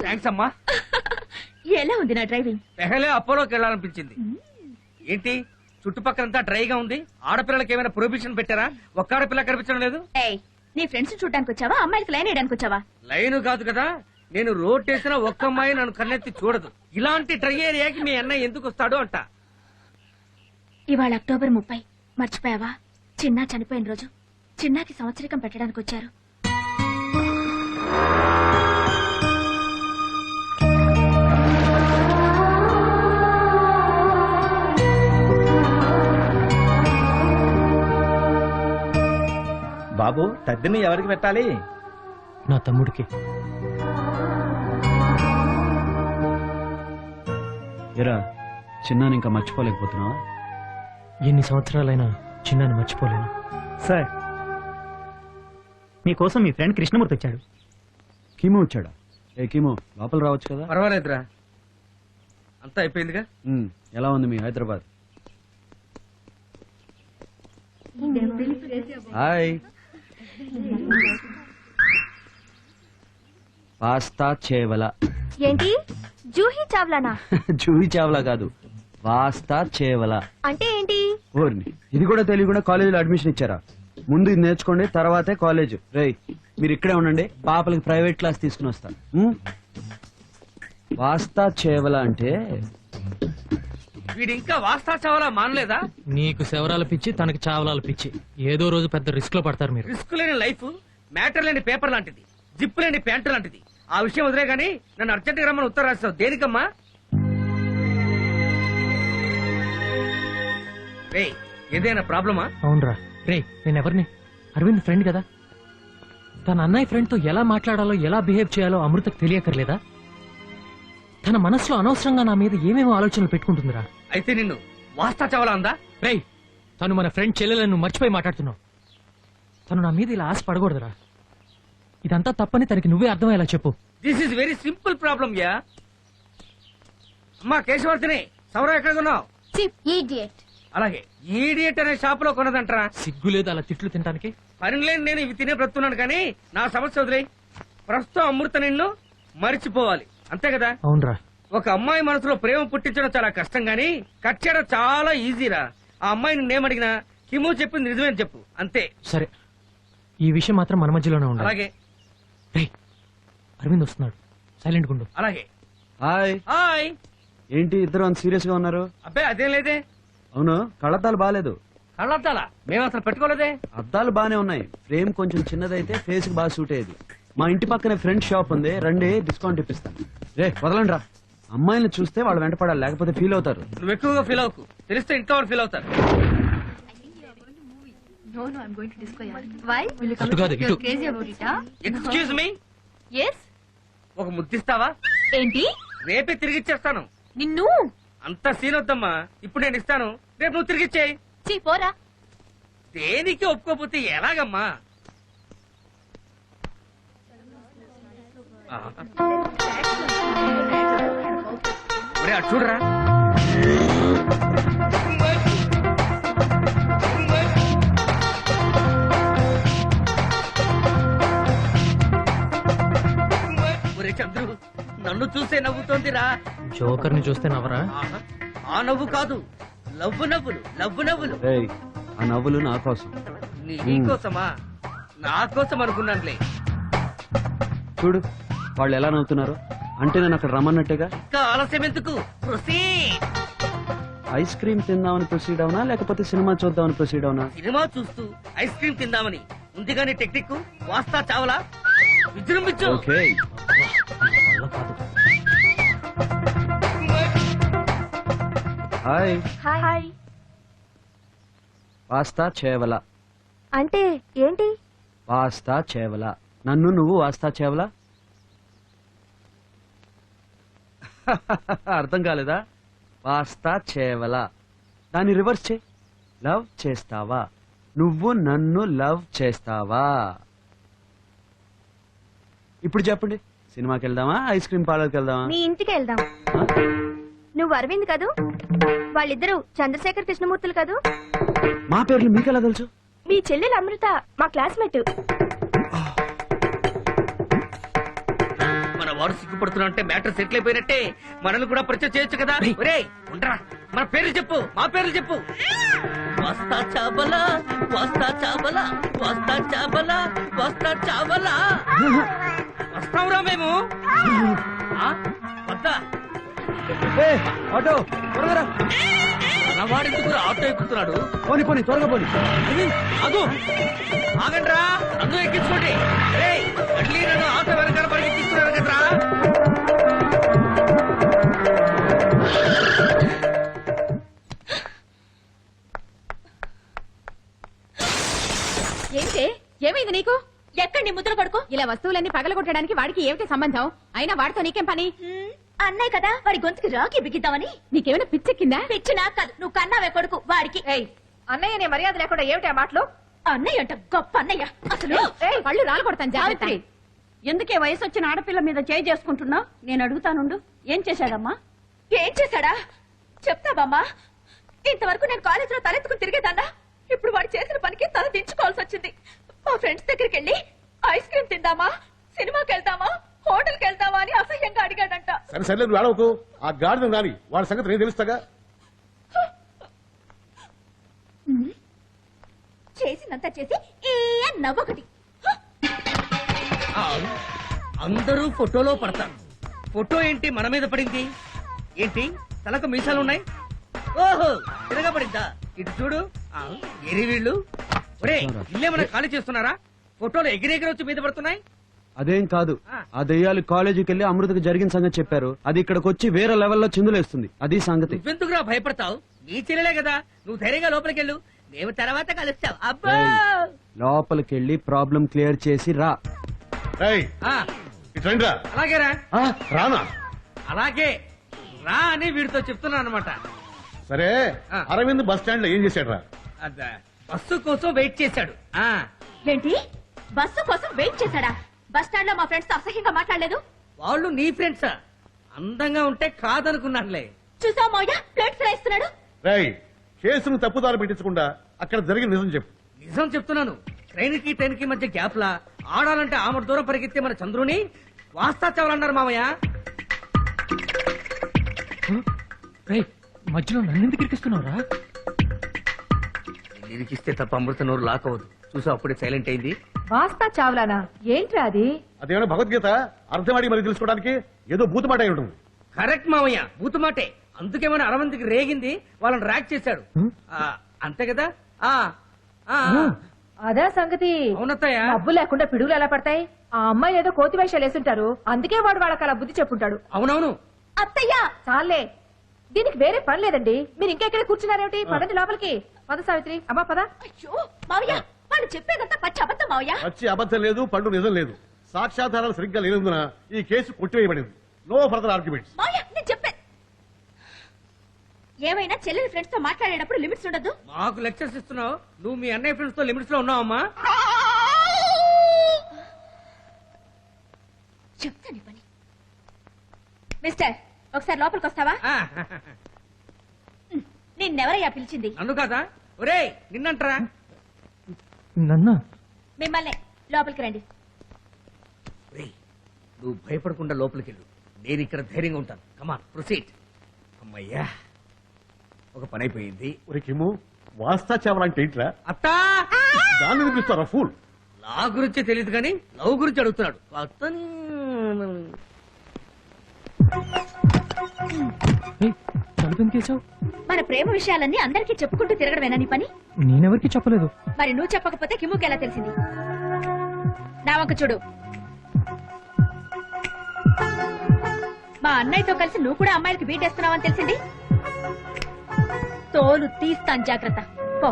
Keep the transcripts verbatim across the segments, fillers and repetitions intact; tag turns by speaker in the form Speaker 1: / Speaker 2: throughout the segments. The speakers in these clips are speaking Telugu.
Speaker 1: థ్యాంక్స్ అమ్మా.
Speaker 2: ఎలా ఉంది నా డ్రైవింగ్?
Speaker 1: పెహలే అపోలోకి వెళ్ళాలనిపించింది. ఏంటి చుట్టుపక్కలంతా డ్రైగా ఉంది? ఆడపిల్లలకి ఏమైనా ప్రొహిబిషన్ పెట్టారా? ఒక్క ఆడపిల్ల కనిపించడం లేదు.
Speaker 2: ఏయ్, నీ ఫ్రెండ్స్ చూడడానికి వచ్చావా, అమ్మాయిలకి లైన్ వేయడానికి వచ్చావా?
Speaker 1: లైన్ కాదు కదా, నేను రోడ్ వేసిన ఒక్క అమ్మాయి నన్ను కన్నెత్తి చూడదు. ఇలాంటి డ్రై ఏరియాకి మీ అన్నయ్య ఎందుకు వస్తాడు అంట.
Speaker 2: ఇవాళ అక్టోబర్ ముప్పై, మర్చిపోయావా? చిన్నా చనిపోయిన రోజు. చిన్నాకి సంవత్సరికం పెట్టడానికి వచ్చారు.
Speaker 3: బాబు, తద్దిని ఎవరికి పెట్టాలి?
Speaker 4: నా తమ్ముడికి.
Speaker 5: ఎరా చిన్నాని ఇంకా మర్చిపోలేకపోతున్నావా?
Speaker 4: ఎన్ని సంవత్సరాలైనా చిన్నాన్ని మర్చిపోలేను.
Speaker 6: సార్, మీకోసం మీ ఫ్రెండ్ కృష్ణమూర్తి వచ్చాడు.
Speaker 5: కీమో వచ్చాడా? ఏ కీమో, లోపల రావచ్చు కదా.
Speaker 1: పర్వాలేదురా, అంతా అయిపోయిందిగా.
Speaker 5: ఉమ్, ఎలా ఉంది మీ హైదరాబాద్? హాయ్. పాస్తా చేవల.
Speaker 2: ఏంటి జూహీ చావ్లానా?
Speaker 5: జూహీ చావలా కాదు, పాస్తా చేవల
Speaker 2: అంటే ఏంటి?
Speaker 5: ఓర్ని, ఇది కూడా తెలియకుండా కాలేజీలో అడ్మిషన్ ఇచ్చారా? ముందు ఇది నేర్చుకోండి, తర్వాతే కాలేజ్. రేయ్, మీరు ఇక్కడే ఉండండి, పాపలకి ప్రైవేట్ క్లాస్ తీసుకుని వస్తాను. పాస్తా చేవల అంటే
Speaker 1: వీడు ఇంకా వాస్తా చావాలా మానలేదా?
Speaker 4: నీకు శవరాల పిచ్చి, తనకి చావలాల పిచ్చి. ఏదో రోజు పెద్ద రిస్క్ లో పడతారు మీరు.
Speaker 1: రిస్క్ లేని లైఫ్ మ్యాటర్ లేని పేపర్ లాంటిది, జిప్ లేని ప్యాంటు లాంటిది. ఆ విషయం వదిలే గానీ నన్ను అర్జెంట్ గా రమ్మని ఉత్తరం రాస్తావు దేనికమ్మా? రేయ్, ఏదైనా ప్రాబ్లమా?
Speaker 4: అవునరా. రే, నేను ఎవరిని? అరవింద్ ఫ్రెండ్ కదా. తన అన్నయ్య ఫ్రెండ్ తో ఎలా మాట్లాడాలో, ఎలా బిహేవ్ చేయాలో అమృతకు తెలియకర్లేదా? తన మనసులో అనవసరంగా నా మీద ఏమేమో ఆలోచనలు పెట్టుకుంటుందిరా.
Speaker 1: అయితే నిన్ను వాస్తా చావాలా అందా?
Speaker 4: రేయ్, తను మన ఫ్రెండ్ చెల్లెలను మర్చిపోయి మాట్లాడుతున్నావు. తను నా మీద ఇలా ఆశ పడకూడదురా. ఇదంతా తప్పని తనకి నువ్వే అర్థమయ్యేలా చెప్పు.
Speaker 1: This is very simple problem యా. అమ్మా కేశవర్తిని, సౌర ఎక్కడ కొన్నావు? అలాగే ఈడియట్ అనే షాప్ లో కొన్నదంటరా.
Speaker 4: సిగ్గు లేదు అలా తిట్లు తినడానికి?
Speaker 1: పని లేని నేను ఇవి తినే బ్రతున్నాను కానీ నా సమస్య వదిలే. ప్రస్తుతం అమృత నిన్ను మరిచిపోవాలి, అంతే కదా?
Speaker 4: అవునరా.
Speaker 1: ఒక అమ్మాయి మనసులో ప్రేమ పుట్టించడం చాలా కష్టం గానీ కట్ చేయడం చాలా ఈజీరా. ఆ అమ్మాయి నిన్నేమడిగినా కిమో చెప్పింది నిజమేని చెప్పు, అంతే.
Speaker 4: సరే, ఈ విషయం మాత్రం మన మధ్యలోనే ఉండాలి.
Speaker 1: అలాగే.
Speaker 4: రేయ్, అరవింద్ వస్తున్నాడు, సైలెంట్ గుండు.
Speaker 1: అలాగే.
Speaker 5: హాయ్.
Speaker 1: హాయ్.
Speaker 5: ఏంటి ఇద్దరు అంత సీరియస్ గా ఉన్నారు?
Speaker 1: అబ్బే అదేం లేదే.
Speaker 5: అవును, కళ్ళద్దాలు బాగాలేదు.
Speaker 1: కళ్ళద్దాలా? మేము అసలు పెట్టుకోలేదే.
Speaker 5: అద్దాలు బానే ఉన్నాయి, ఫ్రేమ్ కొంచెం చిన్నదైతే ఫేస్ కి బాగా సూట్ అయ్యేది. మా ఇంటి పక్కనే ఫ్రెండ్ షాప్ ఉంది, రండి డిస్కౌంట్ ఇప్పిస్తాను. రే వదలండి రా, అమ్మాయిని చూస్తే వాళ్ళు వెంట పడాలి, లేకపోతే ఫీల్ అవుతారు.
Speaker 1: నువ్వు ఎక్కువగా ఫీల్ అవ్వకు, తెలిస్తే ఇంట్లో వాళ్ళు ఫీల్ అవుతారు.
Speaker 4: అటు కాదు, ఇటు.
Speaker 1: ఎక్స్క్యూజ్ మీ, ఒక ముద్దిస్తావా?
Speaker 2: ఏంటి?
Speaker 1: రేపే తిరిగిచ్చేస్తాను.
Speaker 2: నిన్ను
Speaker 1: అంత సీన్ వద్దమ్మా, ఇప్పుడు నేను ఇస్తాను, రేపు నువ్వు తిరిగిచ్చేయి.
Speaker 2: పోరా.
Speaker 1: దేనికి ఒప్పుకోపోతే ఎలాగమ్మా? ఒరే అటు చూడరా. ఒరే చంద్రు, నన్ను చూసే నవ్వుతోందిరా.
Speaker 4: జోకర్ ని చూస్తే నవ్వరా?
Speaker 1: ఆహా, ఆ నవ్వు కాదు, లవ్వు నవ్వులు, లవ్వు నవ్వులు.
Speaker 5: రేయ్, ఆ నవ్వులు నా కోసం.
Speaker 1: నీకోసమా? నా కోసం అనుకున్నానులే.
Speaker 5: చూడు వాళ్ళు ఎలా నవ్వుతున్నారు, అంటే నేను అక్కడ రమ్మన్నట్టుగా.
Speaker 1: ఇంకా ఆలస్యం ఎందుకు? ప్రొసీడ్.
Speaker 5: ఐస్ క్రీమ్ తిందామని ప్రొసీడ్ అవునా, లేకపోతే సినిమా చూద్దామని ప్రొసీడ్ అవునా?
Speaker 1: సినిమా చూస్తూ ఐస్ క్రీమ్ తిందామని ఉంది కానీ టెక్నిక్ వాస్తా చావలా విజృంభించు.
Speaker 5: ఓకే.
Speaker 4: వల్ల కాదు.
Speaker 5: హాయ్.
Speaker 2: హాయ్.
Speaker 5: వాస్తా చేవల
Speaker 2: అంటే ఏంటి?
Speaker 5: వాస్తా చేవల. నన్ను నువ్వు వాస్తా చేవలా? అర్థం కాలేదా? వాస్తా చేవల, దాన్ని రివర్స్ చే. లవ్ చేస్తావా? నువ్వు నన్ను లవ్ చేస్తావా? ఇప్పుడు చెప్పండి, సినిమాకి వెళ్దామా, ఐస్ క్రీమ్ పార్లర్కి వెళ్దామా?
Speaker 2: మీ ఇంటికి వెళ్దాం. నువ్వు అరవింద్ కదూ? వాళ్ళిద్దరూ చంద్రశేఖర్ కృష్ణమూర్తులు కదూ?
Speaker 5: మా పేర్లు మీకెలా తెలుసు?
Speaker 2: మీ చెల్లెలు అమృత మా క్లాస్మేట్.
Speaker 1: మన వాడు సిగ్గుపడుతున్నా అంటే మ్యాటర్ సెటిల్ అయిపోయినట్టే. మనల్ని కూడా పరిచయం చేయొచ్చు కదా. ఒరే ఉండరా, మన పేర్లు చెప్పు, మా పేర్లు చెప్పు. వస్తా చాబలా, వస్తా చాబలా, వస్తా చాబలా, వస్తా చాబలా. వస్తావురా మేము? ఆ? వద్దా?
Speaker 5: ఏ, ఆటో త్వరగా రా.
Speaker 1: మనవాడెందుకు ఆటో ఎక్కుతున్నాడు?
Speaker 5: పోనీ పోనీ త్వరగా పోనీ.
Speaker 1: అదు ఆగండ్రా, నన్ను ఎక్కించుకోండి. ఏయ్, మళ్ళీ నన్ను ఆటో వెనకాల పరిగెత్తిస్తున్నారు కదరా.
Speaker 3: ఏంటే ఏమైంది నీకు? ఎక్కడ నీ ముద్ర కొడుకు ఇలా వస్తువులన్నీ పగలగొట్టడానికి వాడికి ఏమిటి సంబంధం? అయినా వాడితో నీకేం పని?
Speaker 2: అన్నయ్య కదా వాడి గొంతుకి రాకి బిగిద్దామని.
Speaker 3: నీకేమైనా పిచ్చెక్కిందా?
Speaker 2: పిచ్చి నాకు కాదు, నువ్వు కన్నావే కొడుకు వాడికి.
Speaker 3: అన్నయ్య నీ మర్యాద లేకుండా ఏమిటి ఆ మాటలు?
Speaker 2: అన్నయ్య అంట గొప్ప అన్నయ్య. అసలు
Speaker 3: ఏయ్, పళ్ళు రాలు కొడతాను జాగ్రత్త.
Speaker 7: సావిత్రి, ఎందుకే వయసు వచ్చిన ఆడపిల్ల మీద చేయి చేసుకుంటున్నా? నేను అడుగుతానుండు, ఏం చేశాడమ్మా?
Speaker 2: ఏం చేశాడా చెప్తావమ్మా. ఇంతవరకు నేను కాలేజీలో తలెత్తుకుని తిరిగేదాన్నా. ఇప్పుడు వాడు చేసిన పనికి తల దించుకోవాల్సి వచ్చింది. మా ఫ్రెండ్స్ దగ్గరికి వెళ్ళి ఐస్ క్రీమ్ తిందామా, సినిమాకి వెళ్దామా, హోటల్కి వెళ్దామా అని అసహ్యంగా అడిగాడంట.
Speaker 8: సరే సరే నువ్వు ఆడవకు. ఆ గాడిద రాని వాడి సంగతి నేను తెలుస్తాగా.
Speaker 2: చేసినంత చేసి ఏ నవ్వొకటి.
Speaker 1: ఆ, అందరూ ఫోటోలో పడతారు. ఫోటో ఏంటి మన మీద పడింది? ఏంటి తలకు మీసాలు ఉన్నాయి? ఓహో తిరగబడిందా? ఇటు చూడు. ఆ, ఎరి వీళ్ళు. ఒరే ఇల్లేమన్నా ఖాళీ చేస్తున్నారా? ఫోటోలు ఎగిరెగిరి వచ్చి మీద పడుతున్నాయి.
Speaker 5: అదేం కాదు, ఆ దెయ్యాలు కాలేజీకి వెళ్ళి అమృతకు జరిగిన సంగతి చెప్పారు. అది ఇక్కడికి వచ్చి వేరే లెవెల్లో చిందులేస్తుంది. అది సంగతి.
Speaker 1: నువ్వెందుకురా భయపడతావు? నీ చెల్లెలే కదా, నువ్వు ధైర్యంగా లోపలికి వెళ్ళు. మేము తర్వాత కలుస్తావు. అబ్బా
Speaker 5: ఏయ్, లోపలికి వెళ్ళి ప్రాబ్లం క్లియర్ చేసి రా.
Speaker 8: ఏయ్,
Speaker 1: ఆ,
Speaker 8: ఇటు రండిరా.
Speaker 1: అలాగేరా.
Speaker 8: ఆ, రానా?
Speaker 1: అలాగే రా అని వీడితో చెప్తున్నా అనమాట.
Speaker 8: సరే
Speaker 1: ఆ.
Speaker 8: అరవింద్ బస్ స్టాండ్ లో ఏం చేశాడు రా?
Speaker 1: అదా బస్సు కోసం వెయిట్ చేశాడు. ఆ
Speaker 2: ఏంటి బస్సు కోసం వెయిట్ చేశాడా? బస్ స్టాండ్ లో మా ఫ్రెండ్స్ తో అసహ్యంగా మాట్లాడలేదు.
Speaker 1: వాళ్ళు నీ ఫ్రెండ్సా? అందంగా ఉంటే కాదనుకున్నానులే.
Speaker 2: చూసావు మౌయ ప్లేట్స్ రాయిస్తున్నాడు.
Speaker 8: రేయ్, కేసును తప్పుదారి పెట్టించకుండా అక్కడ జరిగిన నిజం చెప్పు.
Speaker 1: నిజం చెప్తున్నాను. ట్రైన్ కి ట్రైన్ కి మధ్య గ్యాప్ లా ఆడాలంటే ఆమె దూరం పరిగెత్తే మన చంద్రుని వాస్తా చావాలన్నారు మామయ్య.
Speaker 4: రేయ్, మధ్యలో నన్నెందుకు ఇరికిస్తున్నావురా?
Speaker 1: ఇరికిస్తే తప్ప అమృత నోరు లాక్ అవ్వదు. చూసా అప్పుడే సైలెంట్ అయింది.
Speaker 3: వాస్తా చావ్లానా? ఏంట్రా అది?
Speaker 8: అదేమైనా భగవద్గీత అర్థమాడి మరి తెలుసుకోవడానికి ఏదో భూతమాట అయి ఉంటుంది.
Speaker 1: కరెక్ట్ మామయ్య, బూతుమాటే. అందుకేమైనా అరవంతికి రేగింది, వాళ్ళని ర్యాక్ చేశాడు. ఆ, అంతే కదా. ఆ ఆ,
Speaker 3: అదే సంగతి.
Speaker 1: అవునత్తయ్య.
Speaker 3: డబ్బు లేకుండా పిడుగులు ఎలా పడతాయి? ఆ అమ్మాయి ఏదో కోతి వేషాలు వేసుంటారు, అందుకే వాడు వాళ్ళకి అలా బుద్ధి చెప్పుంటాడు.
Speaker 1: అవునవును.
Speaker 2: అత్తయ్యా
Speaker 3: చాలే, దీనికి వేరే పని లేదండి. మీరు ఇంకెక్కడ కూర్చున్నారేమిటి? పదండి లోపలికి. పద సావిత్రి. అమ్మా పద.
Speaker 2: అయ్యో మావయ్య వాళ్ళు చెప్పేదంతా పచ్చి అబద్ధం మావయ్య.
Speaker 8: వచ్చి అబద్ధం లేదు, పండు నిజం లేదు. సాక్ష్యాధారాలు సరిగ్గా లేనందున ఈ కేసు కొట్టివేయబడింది. No further arguments.
Speaker 2: మావయ్య నేను చెప్పే ఏమైనా చెల్లెలి ఫ్రెండ్స్ తో మాట్లాడేటప్పుడు లిమిట్స్ ఉండదు.
Speaker 1: మాకు లెక్చర్స్ ఇస్తున్నావు. నువ్వు మీ అన్నయ్య ఫ్రెండ్స్ తో లిమిట్స్ లో ఉన్నావమ్మా.
Speaker 2: చెప్తాను పని. మిస్టర్ ఒకసారి లోపలికి వస్తావా?
Speaker 1: ఆ,
Speaker 2: నిన్నెవరయ్యా పిలిచింది?
Speaker 1: నన్ను కాదా? ఒరే నిన్నంటరా.
Speaker 4: నన్నా?
Speaker 2: మిమ్మల్ని. లోపలికి రండి.
Speaker 1: ఒరేయ్, నువ్వు భయపడకుండా లోపలికి వెళ్ళు. నేను ఇక్కడ ధైర్యంగా ఉంటాను. Come on proceed. అమ్మయ్యా, ఒక పని అయిపోయింది.
Speaker 8: ఒరే కిమ్ము, వాస్తా చావాలంటే ఏంట్రా?
Speaker 1: అత్తా
Speaker 8: దాన్ని వినిపిస్తారా ఫూల్?
Speaker 1: నా గురించి తెలియదు కానీ లవ్ గురించి అడుగుతున్నాడు. అతను
Speaker 4: ఏయ్, తలుపెందుకేసావు?
Speaker 2: మన ప్రేమ విషయాలన్నీ అందరికీ చెప్పుకుంటూ తిరగడమేనా నీ పని?
Speaker 4: నేనెవరికి చెప్పలేదు.
Speaker 2: మరి నువ్వు చెప్పకపోతే కిమ్ముకి ఎలా తెలిసింది? నా వంక చూడు. మా అన్నయ్యతో కలిసి నువ్వు కూడా అమ్మాయిలకి బీటేస్తున్నావని తెలిసింది. తోలు తీస్తాను, జాగ్రత్త. పో.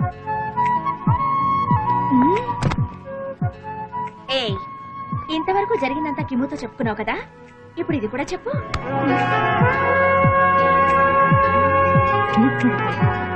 Speaker 2: ఏయ్, ఇంతవరకు జరిగిందంతా కిమ్ముతో చెప్పుకున్నావు కదా, ఇప్పుడు ఇది కూడా చెప్పు.